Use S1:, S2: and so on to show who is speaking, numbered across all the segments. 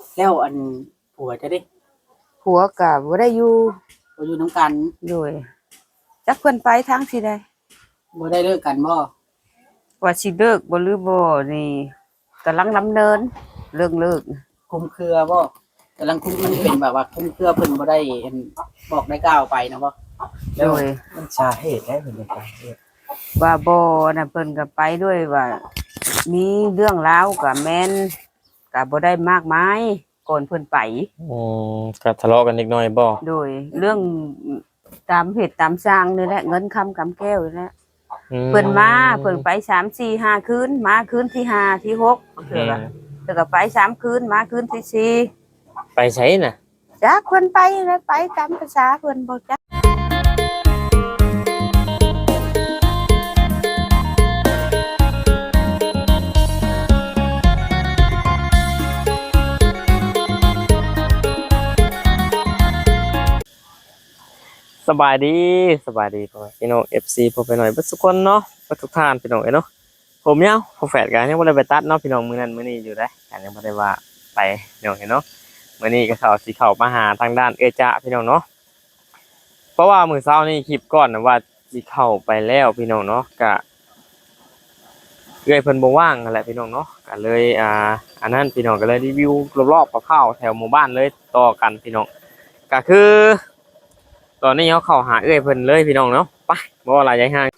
S1: แล้วอันผัวจะได้
S2: ผัวก็บ่ได้อยู่
S1: บ่อยู่นำกัน
S2: โดยจักเพิ่นไปทางสิใด
S1: บ่ได้เลิกกันบ่
S2: ว่าสิเลิกบ่หรือบ่นี่กำลังดำเนินเรื่องเลิก
S1: คลุมเครือบ่กำลังคุมมันเป็นแบบว่าคลุมเครือเพิ่นบ่ได้อันบอกได้กล่าวไปนะบ่
S2: โดย
S3: มันสาเหตุได้เพิ่นไปเฮ็ด
S2: ว่าบ่น่ะเพิ่นก็ไปด้วยว่ามีเรื่องราวก็แม่นก็บ่ได้มากมายก่อนเพิ่นไป
S4: ก็ทะเลาะกันนิดหน่อยบ่
S2: โดยเรื่องตามเหตุตามสร้างนี่แหละเงินคำกำแก้วนี่แหละเพิ่นมาเพิ่นไป3 4 5คืนมาคืนที่5ที่6เทื่อก็ไป3คืนมาคืนที่4
S4: ไปไสน่ะ
S2: จักเพิ่นไปแล้วไปตามภาษาเพิ่นบ่จัก
S4: สบายดีพ่อพี่น้อง FC พวกไปหน่อยเบิดทุกคนเนาะเบิดทุกท่านพี่น้องเนาะผมเนี่ยพอแฟดกันยังบ่ได้ไปตัดเนาะพี่น้องมื้อนั้นมื้อนี้อยู่ได้กันยังบ่ได้ว่าไปพี่น้องเนาะมื้อนี้ก็เข้ามาหาทางด้านจ๊ะพี่น้องเนาะเพราะว่ามื้อเช้านี้คลิปก่อนนะว่าสิเข้าไปแล้วพี่น้องเนาะก็เพิ่นบ่ว่างนั่นแหละพี่น้องเนาะก็เลยอันนั้นพี่น้องก็เลยรีวิวรอบๆคร่าวๆแถวหมู่บ้านเลยต่อกันพี่น้องก็คือตอนนี้เขาเข้าหาเพิ่นเลยพี่น้องเนาะไปบ่ว่าหลายใจห่าง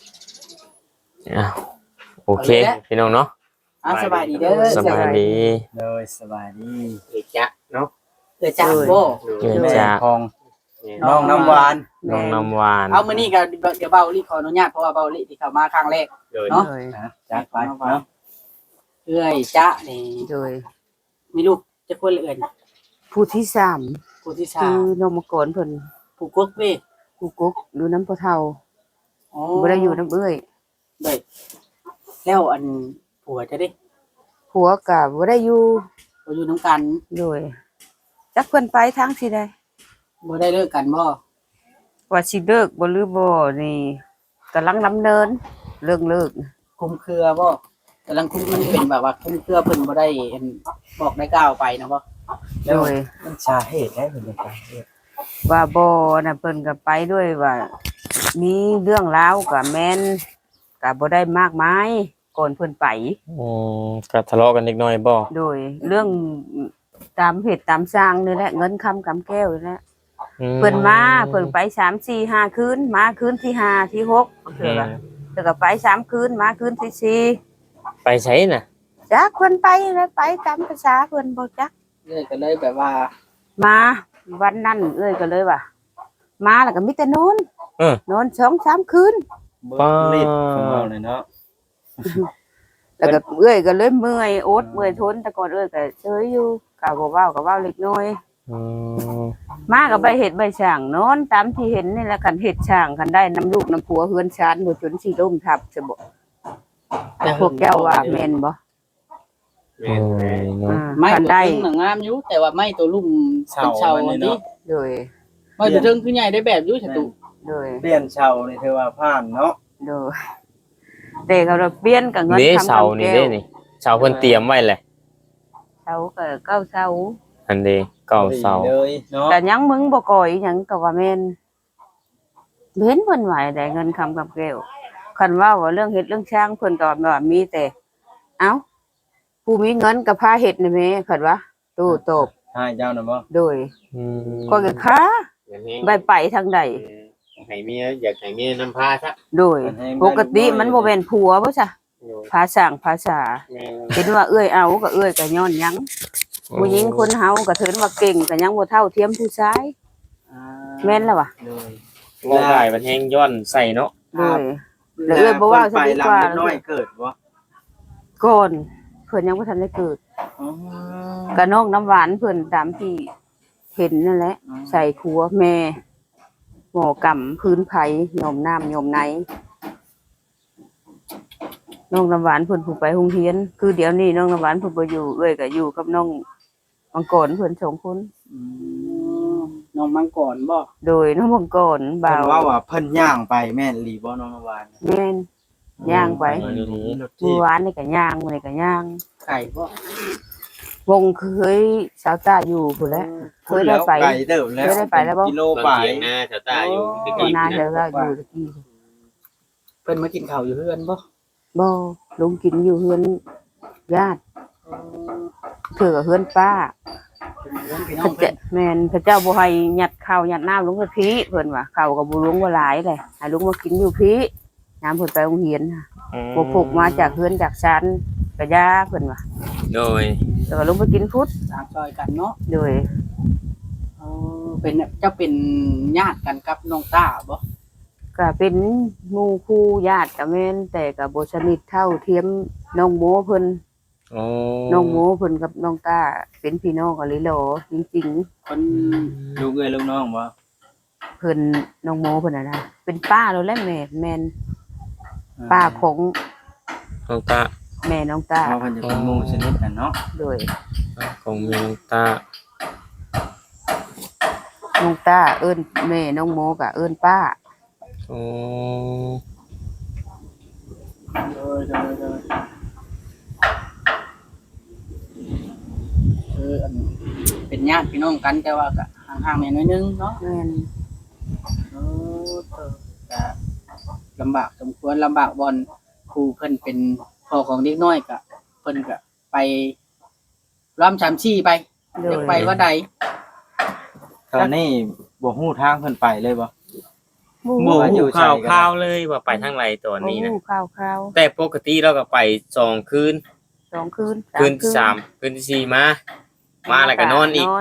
S4: โอเคพี่น้องเนาะ
S1: สบายดีเด้อ
S4: สบายดี
S3: เลยสบายดี
S1: จ๊ะเนาะจ๊ะบ่
S4: จ๊ะ
S3: ของน้องน้ำหวาน
S1: เอามื้อนี้ก็เดี๋ยวเบาลิขออนุญาตเพราะว่าเบาลิที่เข้ามาครั้งแรกเนาะ
S3: จักไปเนาะ
S1: จ๊ะนี่
S2: โดย
S1: มีลูกจะคนเอื่น
S2: ผู้ที่3คือนมกรเพิ่น
S1: ผู้กุ๊กเว้ย
S2: ผู้กุ๊กอยู่น้ำพ่อเฒ่าบ่ได้อยู่น้ำเอ้ย
S1: ได้แล้วอันผัวจะได้
S2: ผัวก็บ่ได้อยู่
S1: นำกัน
S2: โดยจักเพิ่นไปทางสิใด
S1: บ่ได้เลิกกันบ่
S2: ว่าสิเลิกบ่หรือบ่นี่กำลังดำเนินเรื่องเลิก
S1: คุมเครือบ่กำลังคุมมันเป็นแบบว่าคุมเครือเพิ่นบ่ได้อันบอกได้กล่าวไปนะบ่
S2: โดย
S3: มันสาเหตุได้เพิ่นไปเฮ็ด
S2: ว่าบ่น่ะเพิ่นก็ไปด้วยว่ามีเรื่องราวก็แม่นก็บ่ได้มากมายก่อนเพิ่นไป
S4: ก็ทะเลาะกันนิดหน่อยบ่
S2: โดยเรื่องตามเหตุตามสร้างนี่แหละเงินคำกำแก้วนี่แหละเพิ่นมาเพิ่นไป3 4 5คืนมาคืนที่5ที่6เทื่อก็ไป3คืนมาคืนที่4
S4: ไปไสน่ะ
S2: จักเพิ่นไปแล้วไปตามภาษาเพิ่นบ่จัก
S1: ก็เลยแบบว่า
S2: มาวันนั้นก็เลยว่ามาแล้วก็มีแต่นอน2-3คืน
S3: บ่รีดของเราเลยเนาะ
S2: แล้วก็ก็เลยเมื่อยอดเมื่อยทนแต่ก่อนก็เฉยอยู่ก็บ่เว้าเล็กน้อยมาก็ไปเฮ็ดใบช่างนอนตามที่เห็นนี่แหละคันเฮ็ดช่างคันได้น้ำลูกน้ำผัวเฮือนชานบ่จนสิล้มทับซะบ่แต่พวกแก้วว่าแม่นบ่
S1: ไม่ได้งามอยู่แต่ว่าไม่ตัวลุ่มเป็นเชาอันนี้
S2: โดย
S1: ไม่ตัวเทิงคือใหญ่ได้แบบอยู่ฉะตุ
S2: โดย
S3: เปลี่ยนเชานี่เธอว่าผ่านเนาะ
S2: โดยแต่เขาเปลี่ยนกับเงิน
S4: ทำเชานี่เด้นี่เชาเพิ่นเตรียมไว้แหละ
S2: เชาก็เก้าเชา
S4: อันเด้เก้าเชา
S2: แต่ยังมึงบ่ก่อยหยังก็ว่าแม่นเห็นเพิ่นว่าได้เงินคำกับแก้วคันว่าเรื่องเฮ็ดเรื่องช่างเพิ่นก็ว่ามีแต่เอ้าผู้มีเงินก็พาเฮ็ดนี่แม่คันว่าตู้ตบ
S3: ให้เจ้าน่ะบ่
S2: โดยก็ค้าไปทางใด
S4: ให้เมียอยากให้เมียนำพาซะ
S2: โดยปกติมันบ่แม่นผัวบ่ซะภาษาเห็นว่าเอาก็ก็ย้อนหยังผู้หญิงคนเฮาก็ถือว่าเก่งก็ยังบ่เท่าเทียมผู้ชายแม่นแล้ววะ
S4: บ่ได้มันแฮงย้อนใส่เนาะ
S2: แล้วบ่ว่าซะดีกว่า
S3: น้อยเกิดบ่
S2: ก่อนเพิ่นยังบ่ทันได้เกิดก็น้องน้ำหวานเพิ่นตามที่เห็นนั่นแหละใส่ครัวแม่หมอกำพื้นไผ่ยมน้ำยมไหนน้องน้ำหวานเพิ่นผู้ไปโรงเรียนคือเดี๋ยวนี้น้องน้ำหวานเพิ่นบ่อยู่ก็อยู่กับน้องมังกรเพิ่น2คน
S1: น้องมังกรบ่
S2: โดยน้องมังกรบ่าว
S3: ว่าเพิ่นย่างไปแม่นอีหลีบ่น้องน้ำหวาน
S2: แม่นย่างไปเมื่อวานนี่ก็ย่างมื้อนี้ก็ย่าง
S1: ไก่บ่
S2: วงเคยสาวตาอยู่พุ่นแหล้วเคยได้ไป
S3: ไกลเติบแล้ว
S2: เคยได้ไปแล้วบ่
S3: กิโล
S5: บาง
S3: ไป
S5: เสียงหน้าชาวใต้อยู่ตะ
S2: ก่อน
S5: กี้
S2: หน้า
S5: นะ
S2: เดี๋ยวก็อยู่ตะกี้
S1: เพิ่นมากินข้าวอยู่เฮือนบ่
S2: บ่ลุงกินอยู่เฮือนญาติเถือกับเฮือนป้า
S1: เป็นเฮือนพี่น้
S2: พ
S1: อง
S2: ระ
S1: เพิ่
S2: เจ้าน แม่นพระเจ้าบ่ให้ยัดข้าวยัดน้ำลงไปพี่เพิ่นว่าข้าวก็บ่ลุงบ่หลายเลยให้ลุงมากินอยู่พี่น้ำเพิ่นไปโรงเรียนน่ะบ่พกมาจากเฮือนจากชั้นก็ย่าเพิ่นว่า
S4: โดย
S2: แล้วก็ลุงไปกินพุทธ
S1: สร้างซอยกันเนาะ
S2: โดย
S1: เป็นเจ้าเป็นญาติกันกับน้องต้าบ่
S2: ก็เป็นหมู่คู่ญาติก็แม่นแต่ก็บ่สนิทเท่าเทียมน้องโมเพิ่น
S4: โอ้
S2: น้องโมเพิ่นกับน้องตาเป็นพี่น้องกันเลยเหรอจริง
S1: คน
S3: ลูกเอ้ยลูกน้องบ่
S2: ๆเพิ่นน้องโมเพิ่นน่ะนะเป็นป้าแล้วแหละแม่นป้าของ
S4: น้องตา
S2: แม่น้องตา
S3: เพราะเพิ่นจะเป็นหมู่ชนิดกันเนาะ
S2: โดย
S4: ของแม่น้องตา
S2: น้องตาเอิ้นแม่น้องโมก็เอิ้นป้า
S4: โอ้
S1: โดยอันเป็นญาติพี่น้องกันแต่ว่าก็ห่างๆแม่น้อยนึงเนาะ
S2: แม่น
S1: เออก็ลำบากสมควรลำบากบอนครูเพิ่นเป็นพ่อของเด็กน้อยก็เพิ่นก็ไปร่ำชามชี้ไป
S2: โด
S1: อย ยากไปว่าใด
S3: ตอนนี้บ่ฮู้ทางเพิ่นไปเลยบ่
S2: หมู่
S4: บ่
S3: ว่าอยู่
S4: ฮู้ข่าว
S3: ไสกัน
S4: ข่าวเลยว่าไปทางไหนตอนนี้นะ
S2: หมู่ข้าว
S4: แต่ปกติเราก็ไป2คืน
S2: ๆ2คืน
S4: คืนที่3คืนที่4มาแล้วก็นอนอีก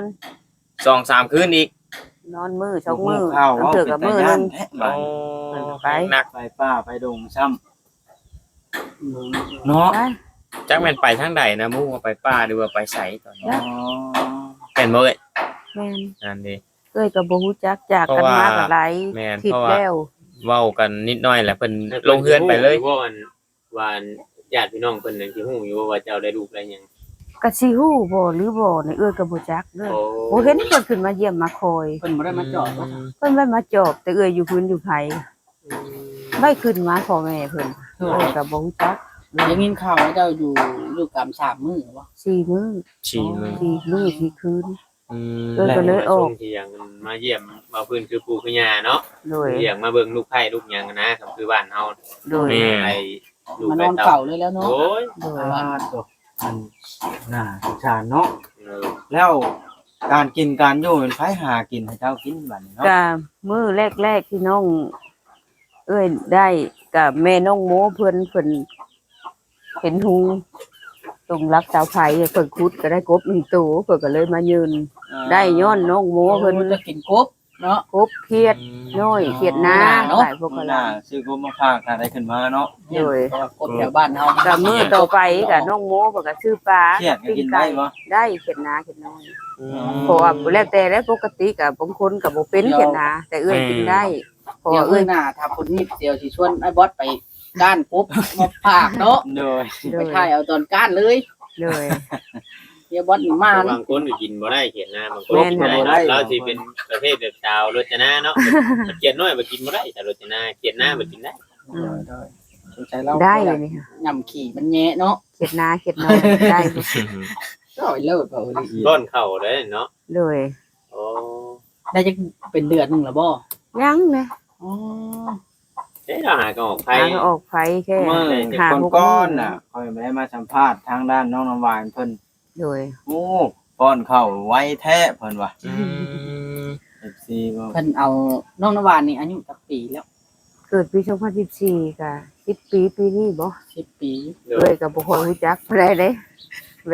S4: 2-3 คืนอีก
S2: นอนมื้อ2มื้อ
S3: ข้าว
S2: ต้อง
S3: ว่า
S2: เถือ
S3: เป็
S2: กับ
S3: น
S2: มื้อ
S3: ตา
S2: ห
S3: ย่า
S2: นึ
S3: น
S2: ง
S3: แท้
S4: โอ้
S3: บาด
S2: ไป
S4: หนัก
S3: ไปป้าไปดงซ้ำเนาะ
S2: ไป
S4: จักแม่นไปทางใดนะมู่ว่าไปป่าหรือว่าไปไสตอนนี้
S3: อ๋อ
S4: เป็นบ่เอ้ย
S2: แม่น
S4: นั่นดิ
S2: เอ้ยก็บ่ฮู้จักจากกันมาก็หลาย
S4: แม่น
S2: ทิศ
S4: เพราะว่า
S2: แล้ว
S4: เว้ากันนิดหน่อยแหละเพิ่นลงเฮือนไปเลย
S5: ว่าวันญาติพี่น้องเพิ่นนั่นสิฮู้อยู่ว่าเจ้าได้ลูกได้หยัง
S2: ก็สิฮู้บ่หรือบ่นี่เอ้ยก็บ่จักเด้อ
S5: โอ้
S2: บ่เห็นเพิ่นขึ้นมาเยี่ยมมาคอย
S1: เพิ่นบ่ได้มาจอดว่า
S2: เพิ่นไว้มาจอบแต่เอ้ยอยู่พื้นอยู่ไผไม่ขึ้นมาพ่อแม่เพิ่นเอ้ยก็บ่รู้จัก
S1: ยังยินข่าวว่าเจ้าอยู่กำ3มื้อบ่
S2: 4มื้อ
S4: ฉี่มึง
S2: 4มื้อ4คืน
S4: อืม
S2: เออก็เลยออก
S5: ที่ยังมาเยี่ยมมาพื้นคือปู่คือย่าเนาะ
S2: โดย
S5: เยี่ยมมาเบิ่งลูกไผ่ลูกหยังนะครับคือบ้านเฮา
S2: โดย
S5: ไอ้ลูก
S1: มาน
S5: ไผ่
S1: อน
S5: เต่า
S1: เฝ้าเลยแล้วเนาะ
S5: โอ้ย
S2: โดย
S3: อ่าตกอันน่าสงสารเนาะ
S5: เออ
S3: แล้วการกินการอยู่เป็นไผหากินให้เจ้ากินบัดนี้เนาะ
S2: ก็มื้อแรกๆที่น้อง เอ้ยได้กับแม่น้องโมเพิ่นเห็นหุงตรงรักสาวไผเพิ่นขุดก็ได้กบ1ตัวเพิ่นก็เลยมายืนได้ย้อนน้องโม
S1: เพิ่
S2: เพิ่
S1: น
S2: น
S1: จะกินกบเนาะ
S2: กบเครียดน้อยเครียดนา
S1: เนาะ
S2: หลายพวกก็
S3: มื้อห
S2: หลา
S3: น้าย ซื้อกบมาฝากถ้าได้ขึ้นมาเนาะ
S2: โดย
S1: เพราะว่ากบแถวบ้านเฮา
S2: กับมื้อต่อไปกับน้องโมเพิ่นก็ซื้อปลา
S3: เครียดก็กินได้บ่
S2: ได้เขียนนาเขียนน้อยเพราะว่าแล้วแต่แล้วปกติกับบางคนกับบ่เป็นเขียนนาแต่เอื้อยกินได้เพราะ
S1: เดี๋ย
S2: ว่าว เอื้
S1: เอ้
S2: อย
S1: ยหน้าถ้าคนนี้เดี๋ยวสิชวนไอ้บอสไปก้านกบมาฝากเนาะ
S3: โดย
S2: เล
S1: ไป
S2: ย
S1: ถ่ายเอาตอนก้านเลย
S2: เลย
S1: เดี๋ยวบอสนี่มา
S5: บางคนก็กินบ่ได้เขียนหน้าบางคน
S2: แม่น
S5: กินได้เราสิเป็นประเภทแบบชาวรจนาเนาะมันเขียนน้อยบ่กินบ่ได้แต่รจนาเขียนหน้าบ่กินได้
S2: อืม
S1: สงสัยเรา
S2: ได้เลยนี่ค่ะ
S1: ย่ำขี่มันแย่เนาะ
S2: เขียนนาเขียนน้อยได้
S1: ก็เอาเลิศเอาเลย
S5: ร้อนเข้าเด้เนาะ
S2: เลย
S5: โอ้
S1: ได้จะเป็นเดือนหนึงแล้วบ่
S2: ยังนะ
S1: อ๋อ
S5: เอ๊ะเราหาก็ออกไผ
S2: หาก็ออกไฟแค่
S3: เมื่อ
S2: หา
S3: คน
S2: หก
S3: ก้อนน่ะคอยไม่ได้มาสัมภาษณ์ทางด้านน้องน้ำหวานเพิ่น
S2: เลย
S3: โอ้ป้อนข้าวไวแท้เพิ่นว่า
S4: อืม
S3: FC บ่
S1: เพิ่นเอาน้องนวานนี่อายุจักปีแล้ว
S2: เกิดปี2014ก็10ปีนี้บ่
S1: 10 ปี
S5: เด้
S2: เล
S5: อย
S2: ก็บ่ค่อยรู้จักได้เด้แบบ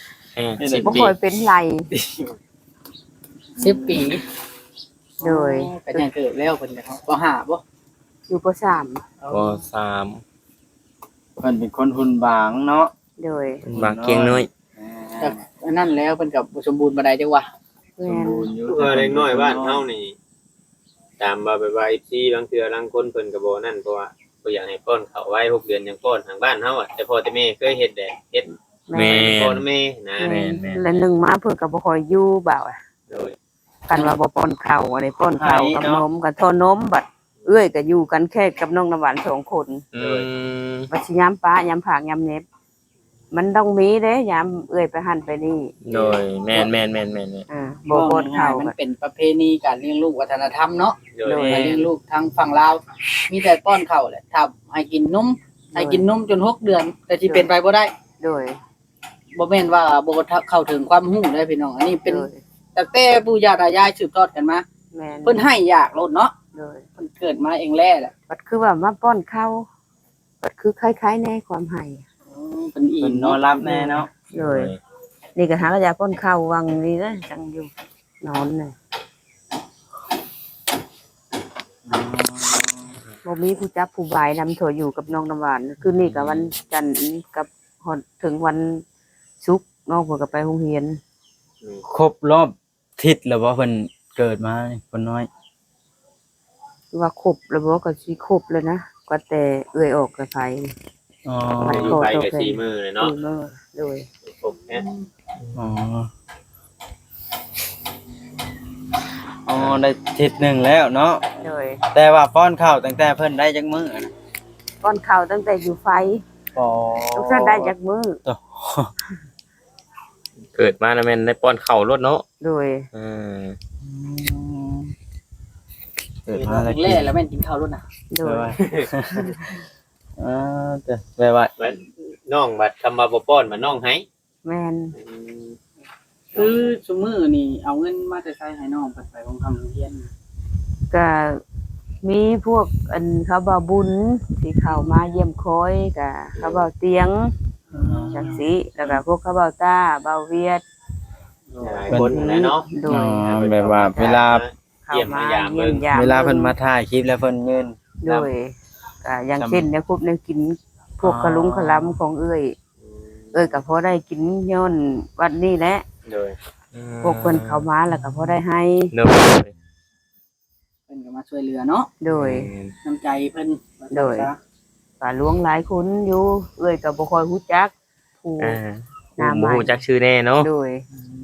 S4: 10
S2: บ่
S4: ปี
S2: ค่อยเป็นไร
S1: 10 ปี
S2: โดย
S1: ก็ยังเกิดแล้วเพิ่นก็บ่หาบ่
S2: อยู่ป .3
S4: ปสาม
S3: เพิ่นเป็นคนหุ่นบางเนาะ
S2: โดย
S4: บางเกียงน้อย
S1: แต่อันนั้นแล้วเพิ่นก็บ่สมบูรณ์บ่ได้จังว่า
S2: แม่
S3: สม
S2: น
S3: บูรณ์อยู่
S5: เออเล็กน้อยบ้านเฮานี่ตามว่าไปว่า FC บางเทื่อบางคนเพิ่นก็บ่นั่นเพราะว่าบ่อยากให้ป้อนข้าวไว้6เดือนยังป้อนทางบ้านเฮาอ่ะแต่พ่อแต่แม่เคยเฮ็ดแหละเฮ็ด
S4: แม่
S5: พ่อแม่นะ
S2: แม่นแล้วหนึ่งมาเพิ่นก็บ่ค่อยอยู่บ่าวอะ
S5: โดย
S2: กันว่าบ่ป้อนข้าวอะไรป้อนข้าวกับนมกับทอนมบัดเอื้อยก็อยู่กันแค่กับน้องน้ำหวาน2คน
S4: อืม
S2: บัดสิยามป้ายามผากยามเน็บมันต้องมีเด้ยามเอื้อยไปหันไปนี่
S4: โดยแม่นๆ
S2: บ่ป้อนข้าว
S1: มันเป็นประเพณีการเลี้ยงลูกวัฒนธรรมเนาะ
S5: โดย
S1: การเลี้ยงลูกทางฝั่งลาวมีแต่ป้อนข้าวแหละถ้าให้กินนมจน6 เดือน แต่ที่เป็นไปบ่ได้
S2: โดย
S1: บ่แม่นว่าบ่เข้าถึงความรู้ได้พี่น้องอันนี้เป็น
S2: โดย
S1: ตั้งแต่ปู่ย่าตายายสืบทอดกันมา
S2: แม่น
S1: เพิ่นให้ยากโลดเนาะ
S2: โดย
S1: เพิ่นเกิดมาเองแล้แหละ
S2: บัดคือว่ามาป้อนข้าวบัดคือคล้ายๆในความให้
S1: เพิ่นอิ่
S3: เพิ่
S1: ม
S3: นนอ
S1: เนาะ
S3: นรับแน่เนาะ
S2: โดยนี่ก็หากระยาป้อนข้าววังนี่นะจังอยู่นอนน่ะบ่มีผู้จับผู้บายนำถั่วอยู่กับน้องน้ำหวานคือนี่กับวันจันทร์กับฮอดถึงวันศุกร์น้องเพิ่นก็ไปโรงเรียน
S3: ครบรอบทิศแล้วบ่เพิ่นเกิดมานี่คนน้อย
S2: ว่าครบแล้วบ่ก็สิครบเลยนะก็แต่เอื้อยออกกับไผ
S3: อ๋อ
S2: มัน
S5: อยู่ไปกับ4มื้อเลยเนาะ
S2: มื้อโดย
S5: ครบแท้
S3: อ๋ออ๋อได้ทิศหนึ่งแล้วเนาะ
S2: โดย
S3: แต่ว่าป้อนข้าวตั้งแต่เพิ่นได้จักมื้อนะ
S2: ป้อนข้าวตั้งแต่อยู่ไฟ
S3: อ๋อ
S2: ทุกท่านได้จากมื้อ
S4: เกิดมาแล้วแม่นได้ป้อนข้าวรถเนาะ
S2: โดย
S3: เกิดมาแล้ว
S1: แล้แล้วแม่นกินข้าวโลดน่ะ
S2: โด
S3: แปล
S2: ย
S3: ว่าแต่แปลว่า
S5: บัดน้องบัดคำว่าบ่ป้อนมาน้องให้
S2: แม่น
S1: คือซุมื้อนี่เอาเงินมาแต่ใช้ให้น้องเพิ่นไปโรงเรียน
S2: ก็มีพวกอันเขาเบาบุญที่เข้ามาเยี่ยมคอยก็เขาเบาเตียงจังสิแล้วก็พวกเขาเบาตาเบาเวียด
S5: หลายคนนะเนาะ
S2: โด
S3: อ๋อย แบบว่าเวลา
S2: เข้ามาเยี่ยมยาม
S3: เวลาเพิ่นมาถ่ายคลิปแล้วเพิ่นยืน
S2: โดยก็อย่างเช่นเนี่ยพวกเนี่ยกินพวกขลุงขลำของเอ้ยก็พอได้กินย้อนวันนี้แหละ
S5: โดย
S2: พวกเพิ่นเข้ามาแล้วก็พอได้ให้
S4: โดย
S1: เพิ่นก็มาช่วยเหลือเนาะ
S2: โดย
S1: น้ำใจเพิ่น
S2: โดย ก็หลวงหลายคนอยู่เอ้ยก็บ่ค่อยฮู้จักผู้ หน้าใหม่
S4: บ่ฮู้จักชื่อแน่เนาะ
S2: โดย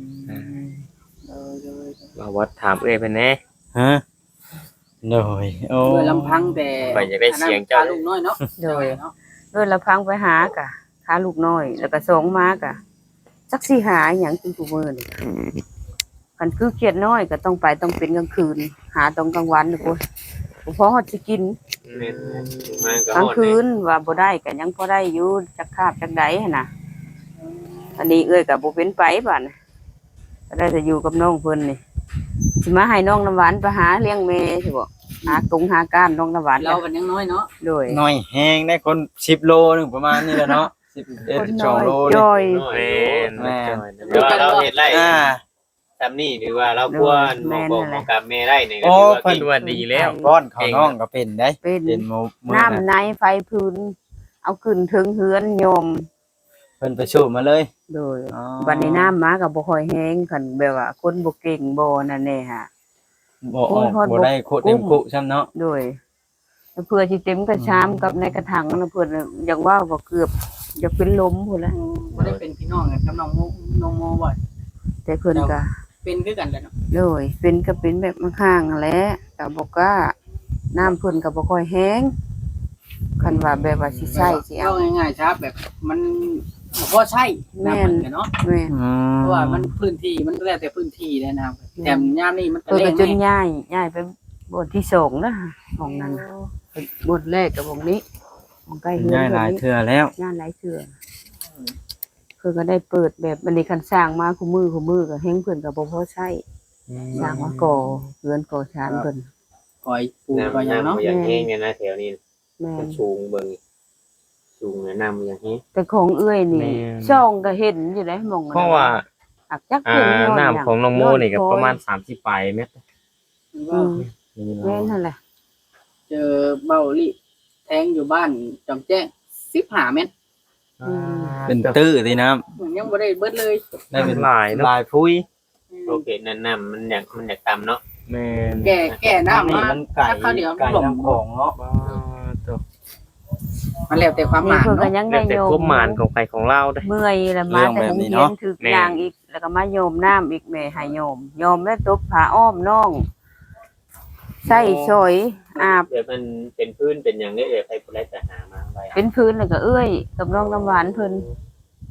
S4: ว่าวัดถามเอ้ยเพิ่นแน่
S3: ฮะโดยโอ้
S1: ด้วยลำพังแต่
S4: ไปอยากได้เสียงเจ้า
S1: ลูกน้อยเนาะ
S2: โดย
S1: เนาะ
S2: ด้วยละพังไปหากะหาลูกน้อย แล้วก็ส่งมากะจักสิหาหยังเป็นผู้มื้อนี่คันคือเครียดน้อยก็ต้องไปต้องเป็นกลางคืน หาตอนกลางวันนี่พุ่นบ่พอฮอดสิกิน
S5: แม่นมาก็
S2: กลาง
S5: ฮอด
S2: คืนว่าบ่ได้ก็ยังพอได้อยู่จักคาบจักใดหั่นน่ะอันนี้เอ้ยก็บ่เป็นไปบัดน่ะก็ได้แต่อยู่กับน้องเพิ่นนี่สิมาให้น้องน้ำหวานไปหาเลี้ยงแม่สิบ่หากงหาก้านน้องน้ำหวาน
S1: เรากันยังน้อยเนาะ
S2: โดย
S3: น้อยแห้งได้คน10โลนึงประมาณนี้แหละเนาะ
S2: คน
S3: 11
S2: น้อย
S3: 12โล
S2: จอย
S5: น้อย
S4: แม่น
S3: แม่น
S5: เดี๋ยวเราเฮ็ดไร
S3: อ่า
S5: ทำนี่หรือว่าเราควรหมอกบอกหมอกับแม่ได้นี่ก็
S3: โอ้
S5: ถือว่า
S3: เพิ่น
S5: เก่ง
S4: ว่าดีแล้ว
S3: ก้อนเขาน้องก็เป็นได้
S2: เป็น
S3: เป็นมื้อ
S2: น้ำ
S3: น่ะ
S2: ในไฟพื้น เอาขึ้นถึงเฮือนโยม
S3: เพิ่นไปสูบมาเลย
S2: โดย
S3: อ๋อ
S2: บัดนี้น้ำมาก็บ่ค่อยแห้งคันแบบว่าคนบ่เก่งบ่นั่นแน่ฮะ
S3: บ่ออกบ่ได้โคตรเต็มคุซ้ำเนาะ
S2: โดยเพื่อสิเต็มกระชามกับในกระถางนะเพิ่นอยากว่าบ่เกือบอยากเป็นลมพุ่นละ
S1: บ่ได้เป็นพี่น้องกันกับน้องโมบ่
S2: แต่เพิ่นก็
S1: เป็นคือกันแหละเนาะ
S2: โดยเป็นก็เป็นแบบข้างๆแหละก็บ่กล้าน้ำเพิ่นก็บ่ค่อยแห้งคันว่าแบบว่าสิใช้สิเอา
S1: เอาง่ายๆครับแบบมันบ่พอใช้น้ำมันกันเนาะ
S2: แม่น
S1: เพราะว่ามันพื้นที่มันแล้วแต่พื้นที่เลยนะครับแต่ยามนี้มันก็
S2: เพิ่น
S1: แร
S2: ก็
S1: ง
S2: จน
S1: แน่
S2: ย้ายไปบทที่2นะของนั้นน่ะบทแรกกับวงนี้ของใกล้เฮือน
S3: ง่ายหลาย
S2: นี้
S3: เทื่อแล้ว
S2: งานหลายเทื่อเพิ่นก็ได้เปิดแบบบันนี้คันสร้างมาคู่มือก็แฮงเพิ่นก็บ่พอใช้สร้างมาก่อเรือนก่อชานเพิ่น
S1: ก่อยปู
S5: น้ำ
S1: ก่อยหยัง
S5: น้ำ
S1: เนาะ
S5: อย่างแห้งเนี่ยนะแถวนี้
S2: แม่
S5: มัน นสูงเบิ่งสูงนะน้ำอย่างแห้ง
S2: แต่ของเอื้อยนี่
S4: แม่น
S2: ช่องก็เห็นอยู่ได้หมองนั้น
S4: เพราะว่า
S2: อักจักเพิ่นย้อน
S4: น้ำของน้องโมนี่ก็ประมาณ30ปลายเมตร
S2: อืมแม่นนั่นแหละ
S1: เจอเบาลิแทงอยู่บ้านจอมแจ้ง15เมตร
S3: เป็นตื้อสิน้ำ
S1: มันยังบ่ได้เบิดเลย
S3: ได้เป็น
S4: หลายเนาะ
S3: ลายพุ้ย
S5: โอเคนั่นน้ำมันอยากต่ำเนาะ
S4: แม่น
S1: แก่น้ำ
S3: นี่
S1: มา
S3: มันไก่
S1: ถ้าข้าวเดียว
S3: ไก่
S1: หล่ม
S3: น้ำของเนาะ
S1: มันแล้วแต่ความห
S2: นี่
S1: มาย
S2: เพิ่นก็
S1: เนาะ
S2: ยัง
S4: แล้
S2: ได้
S4: วแต่
S2: โย
S4: ควบ
S2: ม
S4: หมานของใครของเราได้
S2: เมื่อยแล้วมาแต่โรงเรียนถึกยางอีกแล้วก็มาโยมน้ำอีกแม่ให้โยมแล้วตบผ้าอ้อมน้องใส่ชอยอาบ
S5: เดี๋ยวมันเป็นพื้นเป็นอย่างนี้เดี๋ยวใครคนแรกจะหามาไว้
S2: เป็นพื้นแล้วก็เอื้อยกับน้องน้ำหวานเพิ่น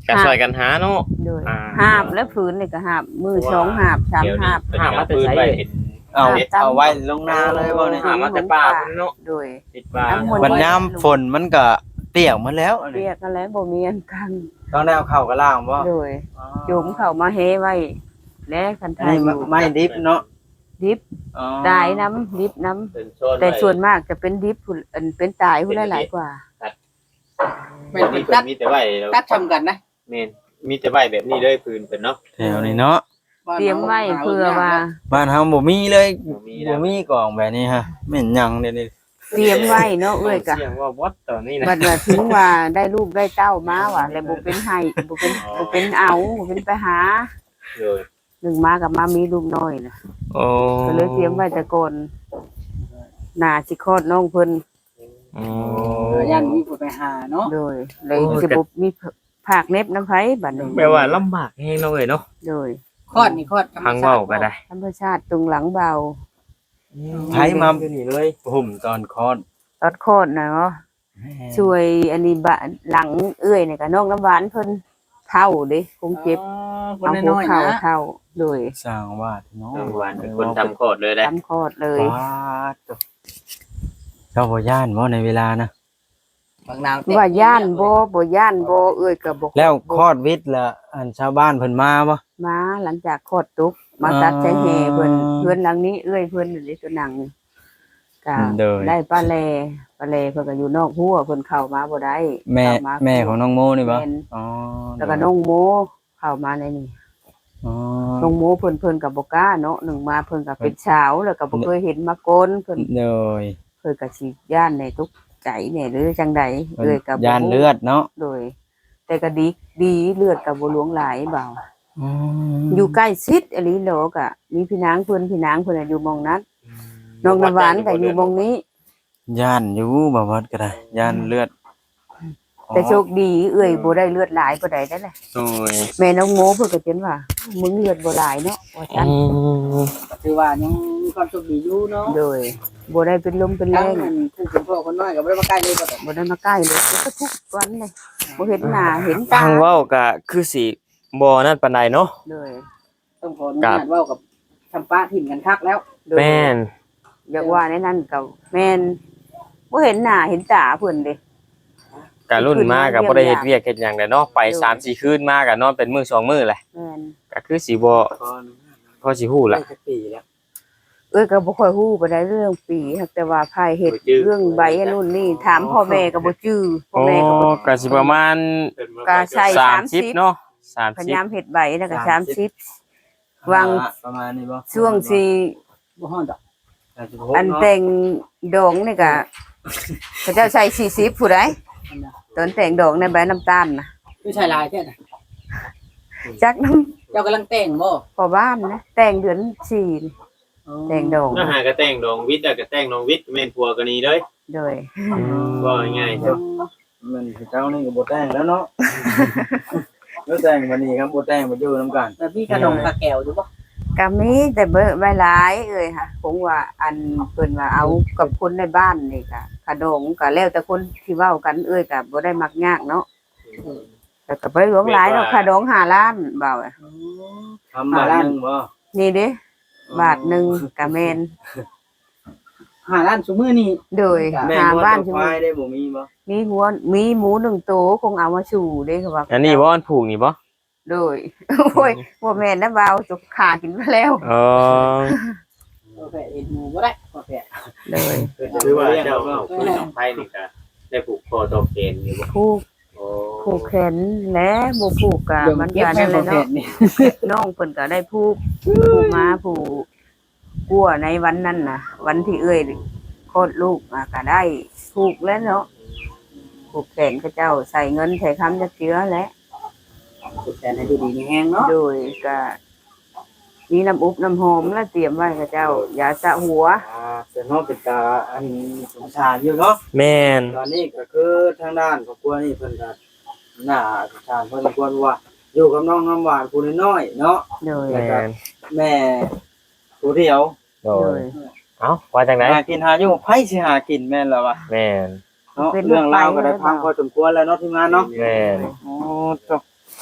S4: ก็ช่วยกันหาเนาะ
S2: โดย
S4: อ่า
S2: หาบและผืนนี่ก็หาบมือสองหาบสามหาบ
S5: หามาปืนไว้เห็น
S3: เอาไว้ลงนาเลยบ่นี่
S4: หามาแต่ป่าพุ่นเนาะ
S2: โดย
S5: ติดป่า
S2: น้ำมนต์
S3: บัดยามฝนมันก็เปียกหมดแล้วอัน
S2: เรี
S3: นี้
S2: ยกกันแล้วบ่มีอันกัน
S3: ต้องได้เอาเข้ากระล่างบ่
S2: โดยจุ่มเข้ามาเฮไว้และคัน
S3: อัน
S2: ทาย
S3: นี้
S2: อยู่
S3: ไม่ดิบเนาะ
S2: ดิบ
S3: อ๋อ
S2: ตายน้ำดิบน้ำ
S5: เป็นโซน
S2: แต่ส่วนมากจะเป็นดิบพุ่นอันเป็นตายพุ่นหลายกว่า
S1: แม่
S5: เป็น
S1: น
S5: นี่
S1: เป็นตัด
S5: มีแต่ไว้แล้ว
S1: ตัดทำกันนะ
S5: แม่นมีแต่ไว้แบบนี้เลยปืนเป็นเนาะ
S3: แถวนี้เนาะ
S2: เตรียมไว้เพื่อว่า
S3: บ้านเฮาบ่มีเลย
S5: บ่มีแล้
S3: บ่
S5: ว
S3: มีกล่องแบบนี้ฮะแม่นหยังเดี๋ยวนี้
S2: เตรียมไว้เนาะเอ้ยกะ
S4: เสียงว่าวัดตอนนี้นะ
S2: บัดว่าถึงว่าได้ลูกได้เต้ามาว่ะแล้วบ่เป็นให้บ่เป็นเอาบ่เป็นไปหา
S5: เลย
S2: หนึ่งมากับมามีลูกน้อยน่ะ
S4: โอ้
S2: ก็เลยเตรียมไว้แต่ก่อนหน้าสิคลอดน้องเพิ่น
S4: อื
S1: ย่านมีผู้ไปหาเนาะ
S2: โดยเลยสิบ่มีภาคเน็บน้ำไผบัดนี้
S4: แปลว่าลำบากแฮงเนาะเอ้ยเนาะ
S2: โดย
S1: คลอดนี่คลอดธรรม
S4: ทาง
S1: ชา
S4: เว้า
S1: ติ
S4: ก็ได้
S2: ธรรมชาติตรงหลังเบา
S3: ไผมา
S4: อยู่นี่เลย
S3: ห่มตอนคลอด
S2: ตอดคลอดน่ะเนาะช่วยอันนี้บะหลังเอื้อยนี่ก็น้องน้ำหวานเพิ่นเฒ่าเด้คงเจ็บ
S1: คน
S2: เอาหั
S1: น้
S2: ว
S1: อยๆ
S2: เข่า
S1: นะ
S2: เท่าโดย
S3: สร้างวาดเนาะ
S5: น้องหวานเป็นคนทำโคตรเลยได้
S2: ทำคลอดเลย
S3: วาดเจ้าบ่ย่านบ่ในเวลานะ
S1: บางนาว
S2: ว่าย่านบ่ย่านบ่เอ้ยก็บ่
S3: แล้วคลอดวิทย์ละอันชาวบ้านเพิ่นมาบ่
S2: มาหลังจากคลอดตุกมาตัดใจแห่เพิ่นเพิ่นหลังนี้เอ้ยเพิ่นนี่ตัวหนังนี่ก็ได้ป้าแลเพิ่นก็อยู่นอกหัวเพิ่นเข้ามาบ่ได้
S3: แม่
S2: เข้าา
S3: แม่ของน้องโมนี่บ่
S2: แม่น
S3: อ๋อ
S2: แล้วก็น้องโมเข้ามาในนี่
S3: อ๋อ
S2: น้องโมเพิ่นก็บ่กล้าเนาะหนึ่งมาเพิ่นก็เป็นสาวแล้วก็บ่เคยเห็นมาก่อนเพิ่น
S3: โดย
S2: ก็สิย่านในทุกใจเนี่ยหรือจังใดเอ้ยก็บ่
S3: ย่านเลือดเนาะ
S2: โดย แต่ก็ดีเลือดก็บ่หลวงหลายเบา
S3: อ๋อ
S2: อยู่ใกล้ชิดอหลีโลกอ่ะมีพี่นางเพิ่นน่ะอยู่หมองนั้นน้องน้ำหวานก็อยู่หมองนี้
S3: ย่านอยู่บ่วัดก็ได้ย่านเลือด
S2: แต่โชคดีเอ้ยบ่ได้เลือดหลายบ่ได้ได้แหละ
S4: โอ้ย
S2: แม่น้องโมเพิ่นก็เห็นว่ามึงเลือดบ่หลายเนาะว่าซั่น
S1: ถือว่ายังมีความโชคดีอยู่เนาะ
S2: โดยบ่ได้เป็นลมเป็นแร
S1: ทั้ง
S2: ง
S1: อันผู้เป็นพ่อคนน้อยก็บ่ได้มาใกล้เลยบ่ได้
S2: บ่ได้มาใกล้เลยก็ทุกวันเลยบ่เห็นหน้าเห็นตา
S4: ทางเว้าก็คือสิบ่นั่นปานใดเนาะ
S2: โดย
S1: ต้องขออนุญาตเว้ากับทำป้าถิ่นกันคักแล้ว
S2: โดย
S4: แม่น
S2: อยากว่าในนั้นก็แม่นบ่เห็นหน้าเห็นตาเพิ่นเด้
S4: กะรุ่นมาก็บ่ได้เฮ็ดเวียกเฮ็ดหยังได้เนาะไป 3-4 คืนมาก็นอนเป็นมื้อ2มื้อแหละ
S2: แม่น
S4: ก็คือสิบ่พอสิฮู้
S3: ได้
S4: ล่ะ
S3: จักปีแล้ว
S2: เอ้ยก็บ่ค่อยฮู้ปานใดเรื่องปีหักแต่ว่าพายเฮ็ดเรื่องใบอันนู่นนี่ถามพ่อแม่ก็บ่จื้อพ่อ
S4: โอ้
S2: แม่ก็บ่
S4: ก็สิประมาณ
S2: ก็ใช่
S4: 30เนาะ
S2: พยายาม
S4: 30
S2: เฮ็ดใบแล้วก็30วาง
S3: ประมาณนี้บ่
S2: ช่วงสิ
S1: บ่ฮ้อนดอก
S3: 36
S2: อันแต่งดองนี่ก็เขาเจ้าใช้40ผู้ใดตอนแต่งดองในใบน้ำตาลน่ะ
S1: คือชายลายแท้น่ะ
S2: จักน้ำ
S1: เจ้ากำลังแต่งบ่
S2: พ่อบ้านนะแต่งเดือน4นี่แต่งดอง
S5: ถ้าหากระแต่งดองวิทย์อะกระแต่งดองวิทย์แม่นผัวกันนี้เลย
S2: โดย
S5: ก็ง่ายๆจ้ะ
S3: มันเจ้านี่ก็บ่แต่งแล้วเนาะแล้วแต่งวันนี้ครับบ่แต่งบ่อยู่นํกัน
S1: แล้วพี่ขนมปลาแก้วอยู่บ่
S2: ก็มีแต่เบิ่งใบหลายเอ้ยค่ะคงว่าอันเพิ่นว่าเอากับคนในบ้านนี่ก็ขนมก็แล้วแต่คนที่เว้ากันเอ้ยก็บ่ได้มักยากเนาะแต่ก็บ่หลวงหลายเนาะขนม5ล้านเบาอะ
S3: ทำบาทนึงบ่
S2: นี่เด้บาทหนึงก็แม่น
S1: 5ล้านซุมื้อนี้
S2: โดย
S3: แม่
S2: หา
S3: บ่
S2: บ้าน
S3: ต้
S2: ใช่
S3: อง
S2: ไห
S3: ค
S2: ม
S3: วายได้บ่มีบ่
S2: มีหมู1ตัวคงเอามาสู่เด้คือว่า
S4: อันนี้บ่อันผูกนี่บ่
S2: โดย โอ้ยบ่แม่นนะเบาจกขากินมาแล้ว
S4: เออ
S1: โอเคเอ็ดหมูบ่ได้โอเค
S2: โดย
S5: คือว่าเจ้าเอาปืนของไผนี่ก็ได้ผูกคอตอกเกณฑ์อยู่บ่
S2: ผูก
S5: โอ้
S2: ผูกแขนและบ่ผูกก็
S1: เดี๋ยว
S2: มั
S1: มัน
S2: น
S1: เก็บ
S2: ก็
S1: แม่
S2: นั่นแห
S1: บ่
S2: ละ
S1: เผ็
S2: เนาะ
S1: ดนี่
S2: น้องเพิ่นก็ได้ผูกมาผูกกัวในวันนั้นน่ะ วันที่เอ้ยโคตรลูกก็ได้ผูกแล้วเนาะผูกแขนเขาเจ้าใส่เงินใส่คำจักเจือและ
S1: สุดแต่ให้ดูดีมีแห้งเนาะ
S2: โดยก็มีน้ำอุบน้ำหอมแล้วเตรียมไว้เขาเจ้ายาสระหัว
S3: เสียเนาะเป็นตาอันสงสารอยู่เนาะ
S4: แม่น
S3: ตอนนี้ก็คือทางด้านครอบครัวนี่เพิ่นก็น่าสงสารพอสมควรว่าอยู่กับน้องน้ำหวานผู้น้อยๆเนาะ
S2: โดย
S4: แม่น
S3: แม่ผู้เดียว
S4: โด
S2: โด
S4: ย
S2: ย
S4: เอ้าว่าจังได๋
S3: หากินหาอยู่ไผสิหากินแม่นแล้ววะ
S4: แม่น
S3: เนาะเรื่องราวก็ได้ฟังพอสมควรแล้วเนาะทีมงานเนาะ
S4: แม่น
S3: โอ้ตก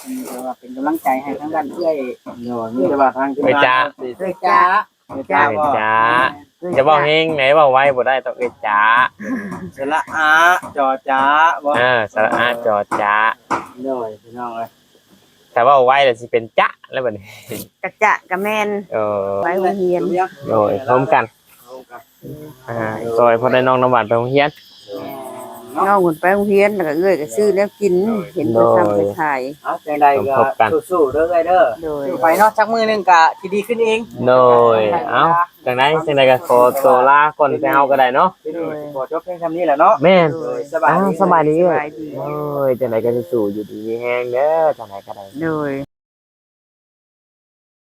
S1: แต่ว่าเป็นกำลังใจให้ทั้งด้านเอื้อย
S3: โน่มีแต่ว่าทางทีมงานสิ
S1: เอื้อยจ้า
S3: จ้า
S4: เอ้ย
S3: บ่
S4: จ้าจะบอกเฮงไหนบอกไว้บ่ได้ต้องเอ้ยจ้า
S3: สระอาจอจ้าบ่
S4: สระอาจอจ้า
S3: โน่พี่น้องเอ้ย
S4: แต่ว่าไว้แล้วสิเป็นจ๊ะแล้วบัดนี้
S2: กระจะกระแมน
S4: เออ
S2: ไว้โรงเรียน
S4: โดยพร้อมกัน
S3: เอากัน
S4: ซอยพอได้น้องน้ำหวานไปโรงเรียน
S2: น้องคนไปโรงเรียนแล้วก็เอ้ยก็ซื้อแล้วกินเห็นเพิ่นทำไปขาย
S3: เอาจังใดก็สู้ๆเด้อเอ้ยเด้อ
S2: โดย
S1: อยู่ไปเนาะจักมือหนึงก็สิดีขึ้นเอง
S4: โดยเอ้าจังไดก็ขอตัวลาก่อนไปเฮาก็ได้เนาะ
S3: ที่นี่ขอจบเพียงคำนี้แหละเนาะ
S4: แม่น
S3: สบายดี
S4: สบายดี
S2: สบายดี
S4: โอ้ยจังไดก็สู้ๆอยู่ดีมีแฮงเด้อจังไดก็ได้
S2: โดย